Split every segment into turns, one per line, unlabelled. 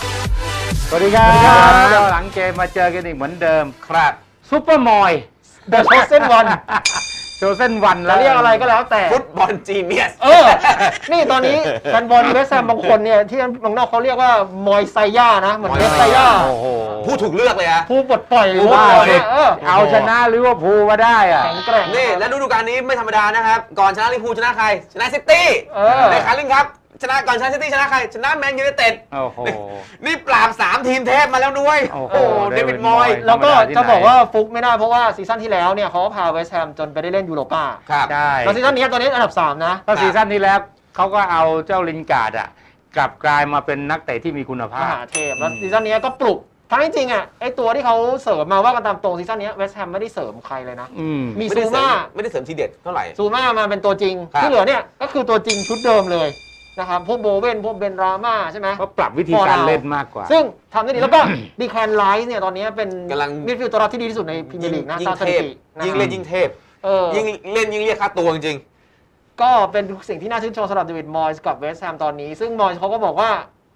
สวัสดีครับหลังเกมมาเจอกันอีกเหมือนเดิม
ครับ
ซุปเปอร์มอย
The Chosen One
โชเส้นวัน
จะ
แล้ว
เรียกอะไรก็แล้วแต่
ฟุตบอลจีเนียส
นี่ตอนนี้แฟนบอลเวสต์แฮมบางคนเนี่ยที่เมืองนอกเขาเรียกว่ามอยไซย่านะเหมือนเวสไซย่า
โอ้โห
ผู้ถูกเลือกเลยอะ
ผู้ปลดปล่อย
ผู้
ว่า
ปลดปล่อย
เนี่ย
เอาชนะลิเวอร์พูลมาได้อะ
แข็งแกร่ง
นี่และฤดูกาลนี้ไม่ธรรมดานะครับ ก่อนชนะลิเวอร์พูลชนะใคร ชนะซิตี้ในคาริงครับ ชนะก่อนชนะซิตี้ชนะใคร ชนะแมนยูไนเต็ด
โอ้โห
นี่ปราบ3ทีมเทพมาแล้วด้วย
โอ้โห
เดวิดมอย
แล้วก็จะบอกว่าฟุกไม่ได้เพราะว่าซีซั่นที่แล้วเนี่ยเขาพาเวสต์แฮมจนไปได้เล่นยูโรป้า
ครับ
ใช่
แล้วซีซั่นนี้ตอนนี้อันดับ 3 นะ
ก็ซีซั่นที่แล้วเขาก็เอาเจ้าลินการ์ดอะกลับกลายมาเป็นนักเตะที่มีคุณ
ม
ภาพ
หาเทพแล้วซีซั่นนี้ก็ปลุกทั้งจริงๆอ่ะไอตัวที่เขาเสริมมาว่ากันตามตรงซีซั่นนี้เวสต์แฮมไม่ได้เสริมใครเลยนะ มี
ไม่
ซู
ได้เสริ
ม่า
ไม่ได้เสริมทีเด็ดเท่าไหร่
ซูม่ามาเป็นตัวจริง
ครับ
ที่เหลือเนี่ยก็คือตัวจริงชุดเดิมเลยนะครับพวกโบเว่นพวกเบนราม่าใช่ไหม
ก็ปรับวิธีการเล่นมากกว่า
ซึ่งทำได้ดีแล้วก็ ดีแคนไลท์เนี่ยตอนนี้เป็น
กำลัง
มิดฟิลด์ตัวรับที่ดีที่สุดในพรีเมียร์ลีกนะ
ยิ่
ตาม
ง
ส
เท
ถิ
พ
ตินะ
ยิ่งเล่นยิ่งเทพ
เออ
ยิ่งเล่นยิ่งเรียกค่าตัวจริง
ก็เป็นสิ่งที่น่าชื่นชมสำหรับเดวิดมอยส์กับเวสต์แฮมตอนนี้ ซึ่งมอยส์เขาก็บอกว่า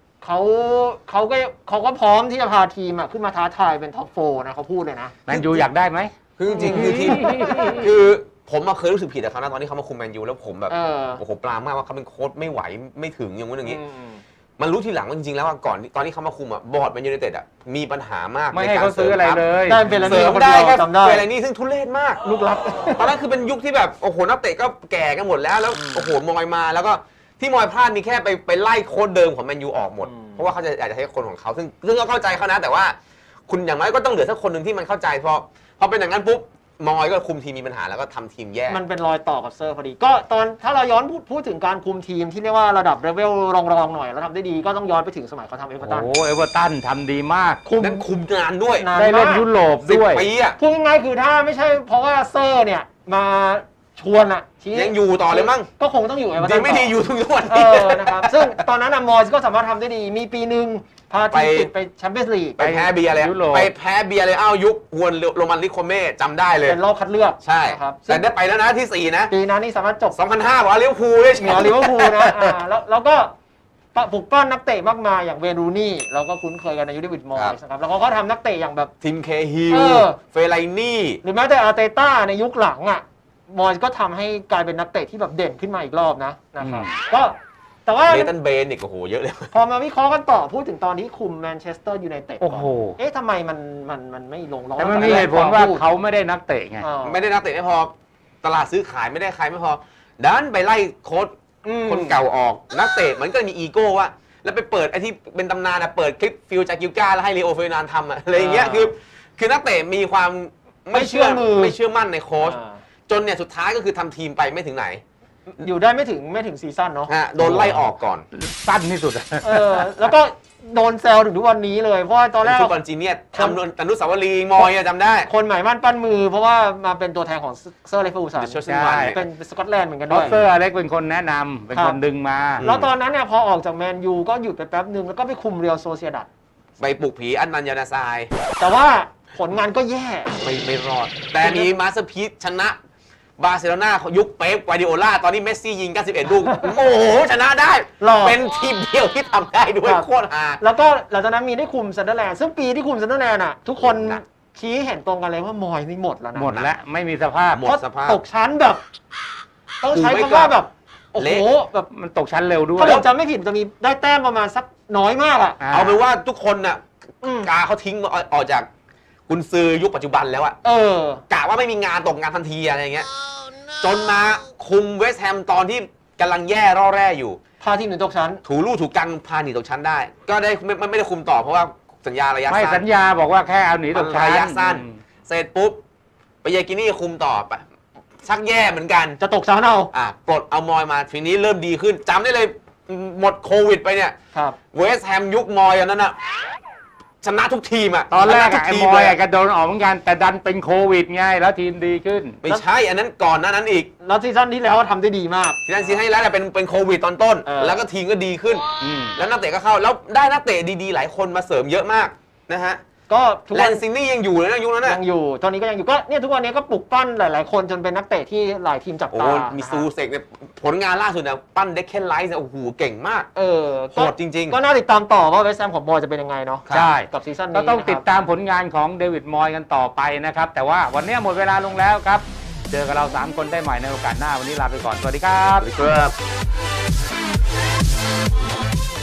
เขาก็พร้อมที่จะพาทีมอะขึ้นมาท้าทายเป็นท็อปโฟร์นะเขาพูดเลยนะ
แมนยูอยากได้ไหม
คือจริงๆคือทีมคือผมมาเคยรู้สึกผิดกับเขานะตอนที่เขามาคุมแมนยูแล้วผมแบบ โอ้โหปลามากว่าเขาเป็นโค้ชไม่ไหวไม่ถึงอย่างนู้นอย่างนี้ มันรู้ทีหลังว่าจริงๆแล้วว่าก่อนตอนที่เขามาคุมอ่ะบอร์ดแมนยูไนเต็ดอ่ะมีปัญหามาก
ไม่ให้เขาซื้ออะไรเลย
ได้เป็นแล้ว
เสริ
นี่
ม
คน
ได้
เดียว
แค่
จำได้
เฟรนี่ซึ่งทุเรศมาก
ลูกรัก
ตอนนั้นคือเป็นยุคที่แบบโอ้โหนักเตะก็แก่กันหมดแล้วโอ้โหมอยมาแล้วก็ที่มอยพลาดมีแค่ไปไล่โค้ชเดิมของแมนยูออกหมดเพราะว่าเขาอยากจะให้คนของเขาซึ่งก็เข้าใจเขานะแต่ว่าคุณอย่างน้อยก็ต้องเหลือสักคนหนึ่งที่มันเข้าใจพอเป็นอย่างนั้นปุ๊บมอยก็คุมทีมมีปัญหาแล้วก็ทำทีมแย่
มันเป็นรอยต่อกับเซอร์พอดีก็ตอนถ้าเราย้อนพูดถึงการคุมทีมที่เรียกว่าระดับเลเวลรองๆหน่อยแล้วทำได้ดีก็ต้องย้อนไปถึงสมัยเขาทำเอเวอร์ตัน
โอ้เอเวอร์ตันทำดีมาก
นั้นคุมงานด้วย
นาน
ได้เล่น
มาก
ยุโรป
10
ด้วย
ปีอ่ะ
พูดง่ายๆคือถ้าไม่ใช่เพราะว่าเซอร์เนี่ยมาชวนอะชี้
ยังอยู่ต่อเลยมั้ง
ก็คงต้องอยู่เอเวอร์
ดี
ตัน
ไม่ดีอยู่ทุกวัน
เอ
นี้
อนะครับซึ่งตอนนั้นอะมอยส์ก็สามารถทำได้ดีมีปีหนึ่งพาทีมติดไปแชมเปี้ยนส์ลีก
ไปแพ้เบียร์เลย
ยุโรป
ไปแพ้เบียร์เลยอ้าวยุคฮวนโรมันลิโคเม่จำได้เลย
เป็นรอบคัดเลือก
ใช่
นะครับ
แต่ได้ไปแล้วนะที่ 4 นะ
ปีนั้นนี่สามารถจบ
2005บอกว่าลิเวอร์พูลได้แช
เหนือ
มป์
ลิเวอร์พูลนะแล้วก็ปลุกปั้นนักเตะมากมายอย่างเวย์รูนี่เราก็คุ้นเคยกันในยุคเดวิดมอยส์นะครับแล้วเขาก็ทำนักเตะอย่างแบบ
ทีมเคฮิ
เอ
ล
อ
เฟไลนี่
หรือแม้แต่อาร์เตต้าในยุคหลังอ่ะมอยส์ก็ทำให้กลายเป็นนักเตะที่แบบเด่นขึ้นมาอีกรอบนะครับก็แต่ว่า
เนตันเบนอีกโอ้โหเยอะเลย
พอมาวิเคราะห์กันต่อพูดถึงตอนที่คุมแมนเชสเตอร์ยูไนเต็ด
โอ้โห
เอ๊ะทำไมมันไม่ลงล็อก
แต่มันมีเหตุผลว่าเขาไม่ได้นักเตะไง
ไม่ได้นักเตะไม่พอ ตลาดซื้อขายไม่ได้ใครไม่พอดันไปไล่โค้ชคนเก่าออกนักเตะมันก็มีอีโก้ว่าแล้วไปเปิดไอ้ที่เป็นตำนานอะเปิดคลิปฟิลจากกิลกาแล้วให้ลีโอเฟอร์นันด์ทำอะอะไรอย่างเงี้ยคือนักเตะมีความไม่เชื่อมั่นในโค้ชจนเนี่ยสุดท้ายก็คือทำทีมไปไม่ถึงไหน
อยู่ได้ไม่ถึงซีซั่นเนาะ
โดนไล่ออกก่อน
สั้นที่สุดอะ
แล้วก็โดนแซวถึงทุกวันนี้เลยเพราะว่าตอนแร
เป็น
ก
ฟุตบอลจีเนียสทำอนุสาวรีย์มอยอะจำได้
คนหมายมั่นปั้นมือ เพราะว่ามาเป็นตัวแทนของเซอร์เลฟเฟอร์กูสัน
The Chosen One
เป็นสกอตแลนด์เหมือนกัน
เพ
ด้
ราะ
วย
เซอร์อเล็กเป็นคนแนะนำเป็นคนดึงมา
แล้วตอนนั้นเนี่ยพอออกจากแมนยูก็หยุดไปแป๊บนึงแล้วก็ไปคุมเรียลโซเซียดัด
ไปปลุกผีอันนันยานาซาย
แต่ว่าผลงานก็แย่
ไม่รอด แต่มีมาสเตอร์พีซชนะบาร์เซโลนายุคเป๊ปกวาร์ดิโอลาตอนนี้เมสซี่ยิง 91 ลูก โอ้โห ชนะได้
หรอ
เป็นทีมเดียวที่ทำได้ด้วย
ครับ
โคตรฮา
แล้วก็หลังจากนั้นมีได้คุมซันเดอร์แลนด์ซึ่งปีที่คุมซันเดอร์แลนด์อ่ะทุกคน
หนัก
ชี้เห็นตรงกันเลยว่ามอยนี่หมดแล้วนะ
หมดแล้วไม่มีสภาพ
หมด
เพราะ
สภาพ
ตกชั้นแบบ ต้องใช้
ไม่
คำว่า
กลับ
แบบโอ้โห
เละ
แบบ
มันตกชั้นเร็วด้วย
ถ้าผมจำไม่ผิดจะมีได้แต้มประมาณสักน้อยมากอ่ะ
เอาเป็นว่าทุกคนน่ะ
อืม
กาเขาทิ้งออกจากกุนซือยุคปัจจุบันแล้วอะ กะว่าไม่มีงานตกงานทันทีอะไรอย่างเงี้ยจนมาคุมเวสต์แฮมตอนที่กำลังแย่ร่อแร่อยู่
พาทีมหนึ่งตกชั้น
ถูลู่ถูกกังพาหนีตกชั้นได้ ก็ได้ไม่ได้คุมต่อเพราะว่าสัญญาระยะ
ไม่
สั้
สั
น
ญญาบอกว่าแค่เอาหนีตกชั้น
ระยะสั้น เสร็จปุ๊บไปเยกินี่คุมต่อไปชักแย่เหมือนกัน
จะตกชั้นเอา
ปลดเอามอยมาทีนี้เริ่มดีขึ้นจำได้เลยหมดโควิดไปเนี่ย
ครับ
เวสต์แฮมยุคมอยอันนั้นอะชนะทุกทีมอะ
ตอนแรก
ชะทุ
ไอ้
ที
มอย
เล
กระโดนออกเหมือนกัน แต่ดันเป็นโควิดไงแล้วทีมดีขึ้น
ไม่ใช่อันนั้นก่อนหน้านั้นอีก
แล้วซีซั่นที่แล้วทำได้ดีมาก
ที่นั่นซีให้แล้วแต่เป็นโควิดตอนต้น แล้วก็ทีมก็ดีขึ้น
อืม
แล้วนักเตะก็เข้าแล้วได้นักเตะดีๆหลายคนมาเสริมเยอะมากนะฮะ
ก็ทุก
แล
วัน
นซินี่ยังอยู่เลยนะยุคนั้นน่ะ
ยังอยู่ตอนนี้ก็ยังอยู่ก็เนี่ยทุกวันนี้ก็ปลุกปั้นหลายๆคนจนเป็นนักเตะที่หลายทีมจับ
โอ้
ตา
มี
นะฮะ
ซูเซกเนี่ยผลงานล่าสุดเนี่ยปั้นเด็กเคนไลท์เนี่ยโอ้โหเก่งมาก โหดจริงๆ
ก็น่าติดตามต่อว่าเวสต์แฮมของบอยจะเป็นยังไงเนาะ
ใช่
กับซีซั่นนี้
ก็ต้องติด
นะครับ
ตามผลงานของเดวิดมอยกันต่อไปนะครับ แต่ว่าวันนี้หมดเวลาลงแล้วครับ เจอกับเรา 3 คนได้ใหม่ในโอกาสหน้าวันนี้ลาไปก่อน สวัสดีครับ
ครับ